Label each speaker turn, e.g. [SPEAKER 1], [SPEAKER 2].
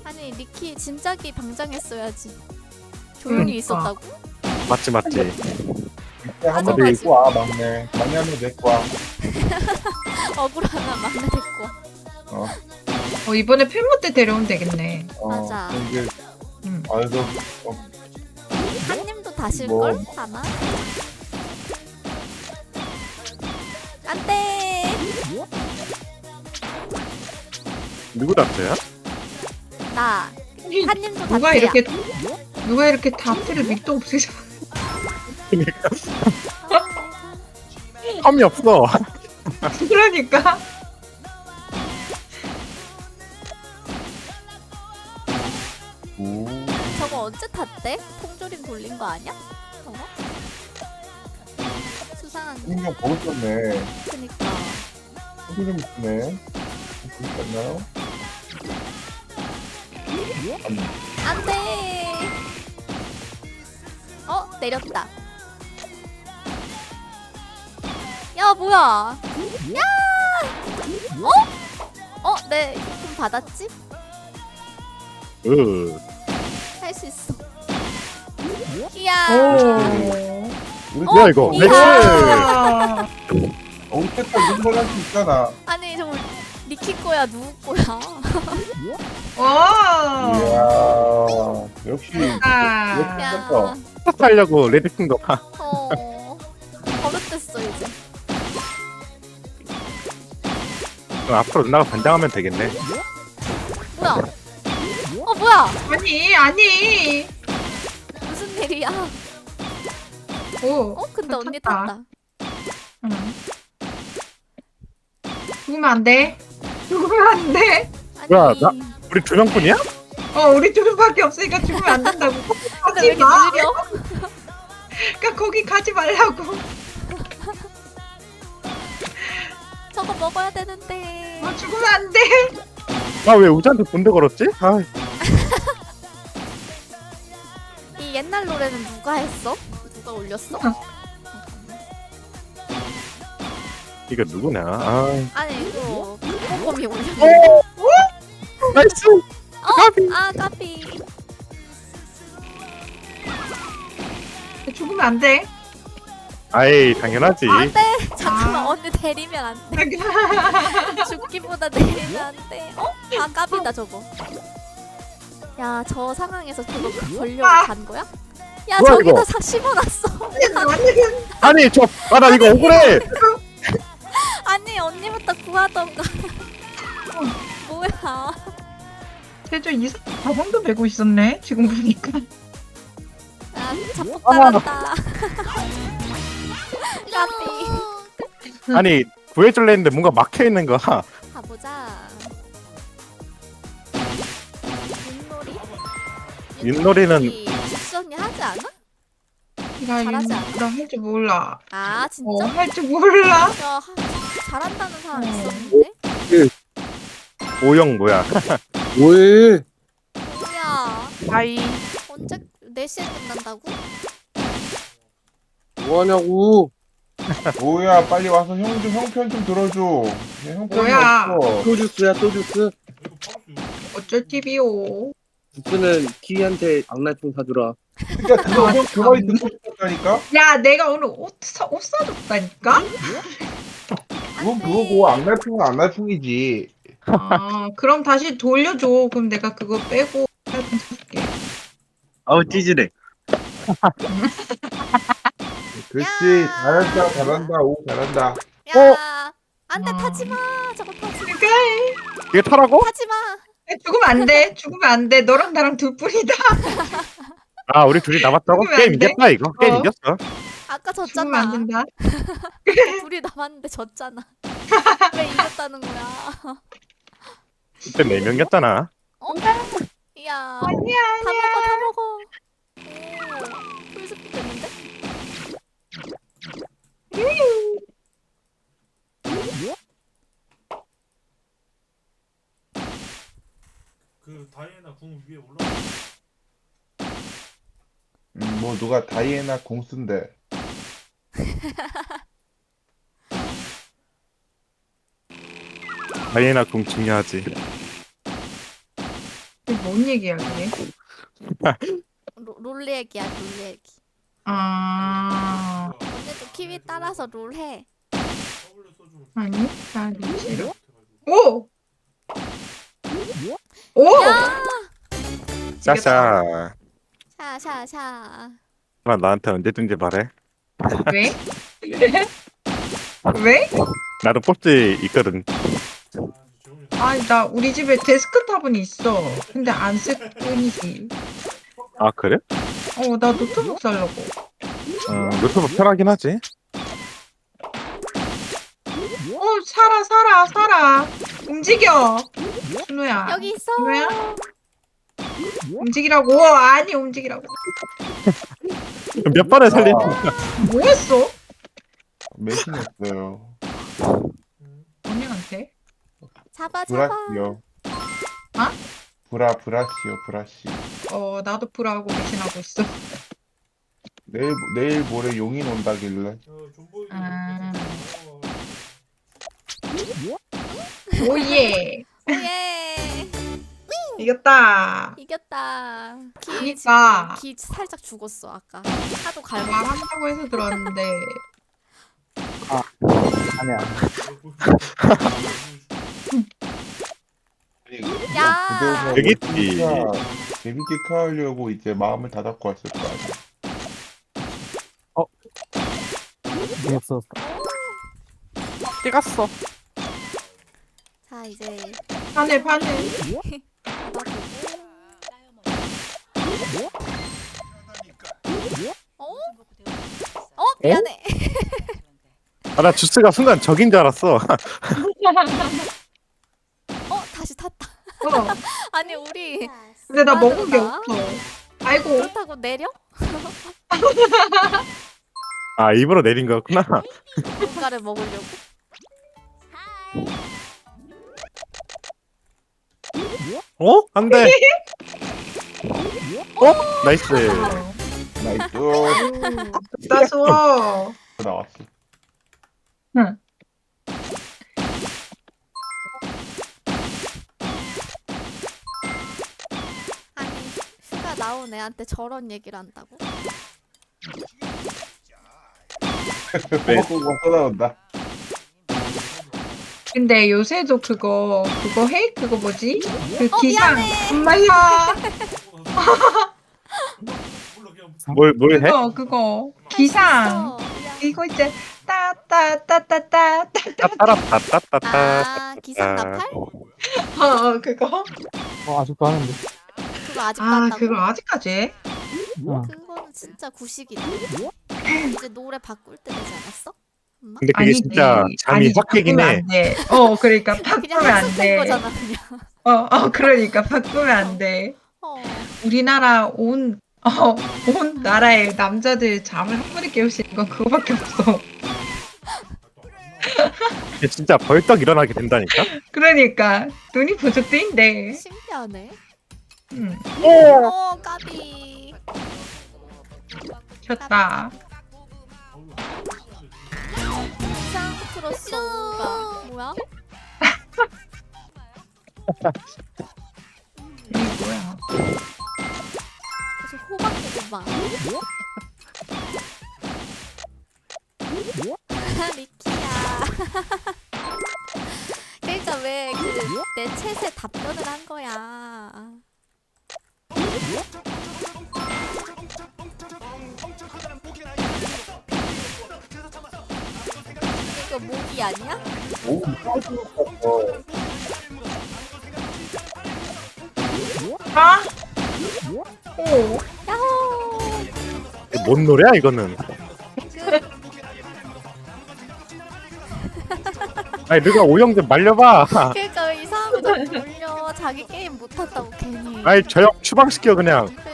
[SPEAKER 1] 아니 리키 진작에 방장했어야지. 조용히 있었다고?
[SPEAKER 2] 맞지.
[SPEAKER 3] 한번
[SPEAKER 1] 맞아.
[SPEAKER 3] 데리고 와 막내 한번 데리고 와.
[SPEAKER 1] 억울하나 막내 됐고.
[SPEAKER 4] 이번에 필모 때 데려오면 되겠네.
[SPEAKER 1] 맞아.
[SPEAKER 3] 이제
[SPEAKER 4] 응.
[SPEAKER 3] 아이고
[SPEAKER 1] 한님도 다실걸?
[SPEAKER 3] 뭐.
[SPEAKER 1] 아마? 안돼.
[SPEAKER 2] 누구 답자야?
[SPEAKER 1] 나 한님도
[SPEAKER 4] 누가
[SPEAKER 1] 다트야.
[SPEAKER 4] 이렇게 다트를 밑도 없으셔.
[SPEAKER 2] 텀이 없어.
[SPEAKER 4] 그러니까.
[SPEAKER 1] 저거 언제 탔대? 통조림 돌린 거 아니야? 저거? 수상한 거.
[SPEAKER 3] 인형 보고 있었네.
[SPEAKER 1] 그니까.
[SPEAKER 3] 좀 있네. 있었나요?
[SPEAKER 1] 안돼. 내렸다. 야 뭐야? 야! 내 좀 받았지? 할 수 있어. 이야.
[SPEAKER 3] 우리
[SPEAKER 2] 뭐야 이거?
[SPEAKER 1] 이야.
[SPEAKER 2] 렉스.
[SPEAKER 3] 우리 색깔 눈물 할수 있잖아.
[SPEAKER 1] 아니 정말 니키 거야 누구 거야?
[SPEAKER 4] 와.
[SPEAKER 3] 이야 역시
[SPEAKER 4] 아.
[SPEAKER 1] 야.
[SPEAKER 2] 하려고 레드킹 거 봐.
[SPEAKER 1] 버릇됐어 이제.
[SPEAKER 2] 그럼 앞으로 누나가 반장하면 되겠네.
[SPEAKER 1] 뭐야? 뭐야?
[SPEAKER 4] 아니.
[SPEAKER 1] 무슨 일이야?
[SPEAKER 4] 오.
[SPEAKER 1] 근데 언니
[SPEAKER 4] 탔다.
[SPEAKER 1] 탔다.
[SPEAKER 4] 응. 죽으면 안 돼.
[SPEAKER 1] 아니.
[SPEAKER 2] 뭐야, 우리 두 명뿐이야?
[SPEAKER 4] 우리 둘밖에 없으니까 죽으면 안 된다고.
[SPEAKER 1] 근데 왜
[SPEAKER 4] 가지
[SPEAKER 1] 이렇게
[SPEAKER 4] 마.
[SPEAKER 1] 느려?
[SPEAKER 4] 그러니까 거기 가지 말라고.
[SPEAKER 1] 저거 먹어야 되는데.
[SPEAKER 4] 죽으면 안 돼.
[SPEAKER 2] 나 왜 우지한테 본드 걸었지? 아,
[SPEAKER 1] 이 옛날 노래는 누가 했어? 누가 올렸어?
[SPEAKER 2] 이거 누구냐? 아,
[SPEAKER 1] 아니 이거 꼼꼼히 올렸네.
[SPEAKER 2] 나이스. 까비.
[SPEAKER 1] 까비.
[SPEAKER 4] 죽으면 안 돼.
[SPEAKER 2] 아이 당연하지.
[SPEAKER 1] 안돼. 잠깐만 언니 때리면 안 돼. 죽기보다 내리면 안 돼. 까비다 저거. 야 저 상황에서 그거 걸려고 간 거야? 야
[SPEAKER 2] 뭐야,
[SPEAKER 1] 저기다
[SPEAKER 2] 이거?
[SPEAKER 1] 심어놨어.
[SPEAKER 2] 아니 나 이거 억울해.
[SPEAKER 1] 아니 언니부터 구하던가. 뭐야?
[SPEAKER 4] 제주 가방도 메고 있었네. 지금 보니까.
[SPEAKER 1] 야 자폭 따랐다. 까비.
[SPEAKER 2] 아니 구해줄래 했는데 뭔가 막혀 있는 거야.
[SPEAKER 1] 가보자. 윷놀이?
[SPEAKER 2] 윷놀이는
[SPEAKER 1] 지수언니 하지 않아?
[SPEAKER 4] 나
[SPEAKER 1] 잘하지 않아?
[SPEAKER 4] 할 줄 몰라.
[SPEAKER 1] 아 진짜?
[SPEAKER 4] 할 줄 몰라.
[SPEAKER 1] 야 잘한다는 사람 있었는데?
[SPEAKER 2] 오영 뭐야?
[SPEAKER 3] 뭐해?
[SPEAKER 1] 뭐야?
[SPEAKER 4] 아이.
[SPEAKER 1] 언제 4시에 끝난다고?
[SPEAKER 3] 뭐하냐고? 뭐야 빨리 와서 형편 좀 들어줘. 형편이
[SPEAKER 4] 뭐야?
[SPEAKER 3] 없어.
[SPEAKER 5] 또 주스야 또 주스.
[SPEAKER 4] 어쩔 TV요.
[SPEAKER 5] 주스는 키위한테 악날총 사주라.
[SPEAKER 3] 그러니까 그거 형그 말이 듣고 싶었다니까.
[SPEAKER 4] 야, 내가 오늘 옷 사줬다니까?
[SPEAKER 3] 그건 그거고 악날풍은 악날풍이지.
[SPEAKER 4] 그럼 다시 돌려줘. 그럼 내가 그거 빼고 살좀 사줄게.
[SPEAKER 5] 아우 찌질해.
[SPEAKER 3] 그렇지.
[SPEAKER 1] 야.
[SPEAKER 3] 잘한다. 오 잘한다.
[SPEAKER 1] 야 안돼
[SPEAKER 4] 어.
[SPEAKER 1] 타지마. 저거 타지마.
[SPEAKER 4] 그러니까
[SPEAKER 2] 이게 타라고?
[SPEAKER 1] 타지마.
[SPEAKER 4] 죽으면 안 돼. 너랑 나랑 둘뿐이다.
[SPEAKER 2] 아 우리 둘이 남았다고?
[SPEAKER 4] 죽으면
[SPEAKER 2] 게임
[SPEAKER 4] 안 돼?
[SPEAKER 2] 이겼다 이거. 게임
[SPEAKER 4] 어.
[SPEAKER 2] 이겼어.
[SPEAKER 1] 아까
[SPEAKER 4] 죽으면 안
[SPEAKER 1] 졌잖아.
[SPEAKER 4] 된다.
[SPEAKER 1] 둘이 남았는데 졌잖아. 왜 이겼다는 거야?
[SPEAKER 2] 그때 4명이었잖아.
[SPEAKER 1] 이야.
[SPEAKER 4] 아니야,
[SPEAKER 1] 다 먹어. 오, 풀스피 됐는데?
[SPEAKER 6] 그 다이애나 궁 위에 올라.
[SPEAKER 3] 뭐 누가 다이애나 공 쓴대.
[SPEAKER 2] 다이애나 공 중요하지.
[SPEAKER 4] 이게 뭔 얘기야 그게?
[SPEAKER 1] 롤 얘기야 롤 얘기.
[SPEAKER 4] 아
[SPEAKER 1] 언니도 키위 따라서 롤 해.
[SPEAKER 6] 더블유 소주
[SPEAKER 4] 아니 나 싫어. 오! 오!
[SPEAKER 2] 샤샤.
[SPEAKER 1] 샤샤샤.
[SPEAKER 2] 나 나한테 언제든지 말해.
[SPEAKER 4] 왜? 왜?
[SPEAKER 2] 나도 뽑지 있거든.
[SPEAKER 6] 재훈이
[SPEAKER 4] 아니 나 우리 집에 데스크탑은 있어. 근데 안 쓸 뿐이지.
[SPEAKER 2] 아 그래?
[SPEAKER 4] 나 노트북 살려고.
[SPEAKER 2] 노트북 편하긴 하지.
[SPEAKER 4] 살아. 움직여. 준호야.
[SPEAKER 1] 여기 있어.
[SPEAKER 4] 준호야? 움직이라고. 아니 움직이라고.
[SPEAKER 2] 몇 번을 살린?
[SPEAKER 4] 뭐 했어?
[SPEAKER 3] 매신했어요.
[SPEAKER 4] 언니한테?
[SPEAKER 1] 잡아 잡아.
[SPEAKER 3] 브라시요.
[SPEAKER 4] 아?
[SPEAKER 3] 브라시.
[SPEAKER 4] 나도 불하고 배신하고 있어.
[SPEAKER 3] 내일 모레 용인 온다길래.
[SPEAKER 6] 존보이
[SPEAKER 4] 아. 오예.
[SPEAKER 1] 예.
[SPEAKER 4] 이겼다.
[SPEAKER 1] 이겼다.
[SPEAKER 4] 그니까.
[SPEAKER 1] 기 살짝 죽었어 아까. 하도 갈고.
[SPEAKER 4] 말한다고 해서 들었는데.
[SPEAKER 5] 아니야.
[SPEAKER 1] 야.
[SPEAKER 2] 여기 있지.
[SPEAKER 3] 재밌게 카하려고 이제 마음을 다잡고 왔을 거 아니야.
[SPEAKER 5] 재밌었어.
[SPEAKER 2] 찍었어.
[SPEAKER 1] 자 이제
[SPEAKER 4] 바늘.
[SPEAKER 1] 미안해.
[SPEAKER 2] 나 주스가 순간 적인 줄 알았어.
[SPEAKER 1] 다시 탔다.
[SPEAKER 4] 어.
[SPEAKER 1] 아니 우리
[SPEAKER 4] 근데 나
[SPEAKER 1] 아,
[SPEAKER 4] 먹은 게
[SPEAKER 1] 그러나?
[SPEAKER 4] 없어. 아이고.
[SPEAKER 1] 그렇다고 내려?
[SPEAKER 2] 아 입으로 내린 거였구나.
[SPEAKER 1] 뭔가를 먹으려고.
[SPEAKER 2] 어? 안 돼. 나이스.
[SPEAKER 3] 나이스.
[SPEAKER 4] 따스워.
[SPEAKER 3] 나왔어.
[SPEAKER 4] 응.
[SPEAKER 1] 아니 휴가 나온 애한테 저런 얘기를 한다고?
[SPEAKER 2] 네.
[SPEAKER 3] 또 나온다.
[SPEAKER 4] 근데 요새도 그거 해? 그거 뭐지? 그 기상.
[SPEAKER 1] 미안해.
[SPEAKER 4] 엄마야.
[SPEAKER 6] 몰라 그냥
[SPEAKER 2] 뭘 해?
[SPEAKER 4] 그거. 기상.
[SPEAKER 1] 어, 미안.
[SPEAKER 4] 이거 이제 따따따따따.
[SPEAKER 2] 따따라따따따따.
[SPEAKER 1] 아 기상 나팔?
[SPEAKER 4] 그거.
[SPEAKER 5] 아직도 하는데.
[SPEAKER 1] 그거 아직 한다고?
[SPEAKER 4] 그거 아직까지 해?
[SPEAKER 1] 그거는 진짜 구식이다. 이제 노래 바꿀 때 되지 않았어? 엄마?
[SPEAKER 2] 근데 그게 진짜 잠이
[SPEAKER 4] 아니지,
[SPEAKER 2] 확 깨긴
[SPEAKER 4] 바꾸면
[SPEAKER 2] 해.
[SPEAKER 4] 안 돼. 그러니까
[SPEAKER 1] 그냥
[SPEAKER 4] 바꾸면 안
[SPEAKER 1] 학습된
[SPEAKER 4] 돼.
[SPEAKER 1] 거잖아 그냥.
[SPEAKER 4] 그러니까 바꾸면 안 돼. 우리나라 온 나라의 남자들 잠을 한 번에 깨울 수 있는 건 그거밖에 없어.
[SPEAKER 2] 이게 진짜 벌떡 일어나게 된다니까.
[SPEAKER 4] 그러니까 눈이 부족해인데.
[SPEAKER 1] 신기하네. 까비.
[SPEAKER 4] 졌다.
[SPEAKER 1] 이상 크로스오가 뭐야?
[SPEAKER 4] 이게 뭐야?
[SPEAKER 1] 무슨 호박고구마. 리키야. 그러니까 왜 그 내 챗에 답변을 한 거야. 이거 모기 아니야?
[SPEAKER 4] 아? 오.
[SPEAKER 1] 야호!
[SPEAKER 2] 이게 뭔 노래야 이거는? 아니 누가 오영 좀 말려봐.
[SPEAKER 1] 그러니까 왜 이상한 거나 몰려. 자기 게임 못한다고 괜히.
[SPEAKER 2] 아니 저 형 추방시켜 그냥.